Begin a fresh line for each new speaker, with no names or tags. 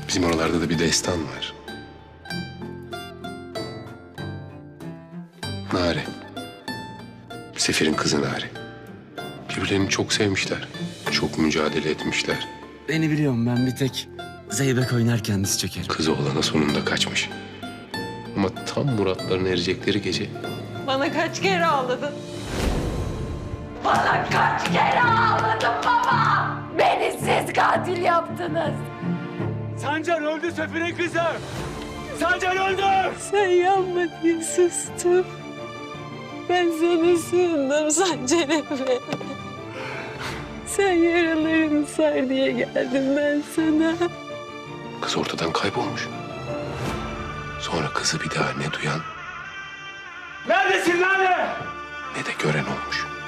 Bizim oralarda da bir destan var. Nare. Sefir'in kızı Nare. Birbirlerini çok sevmişler. Çok mücadele etmişler.
Beni biliyorum, ben bir tek zeybek oynarken diz çökerim.
Kızı olana sonunda kaçmış. Ama tam muratlarına erecekleri gece
Bana kaç kere ağladın? Bana kaç kere ağladın baba? Beni siz katil yaptınız.
Sancar öldü Sefir'in kızı. Sancar öldü.
Sen yanma diye sustum. Ben sana sığındım Sancar'ıma. Sen yaralarını sar diye geldim ben sana.
kız ortadan kaybolmuş. Sonra kızı bir daha ne duyan
Neredesin Lale?
ne de gören olmuş.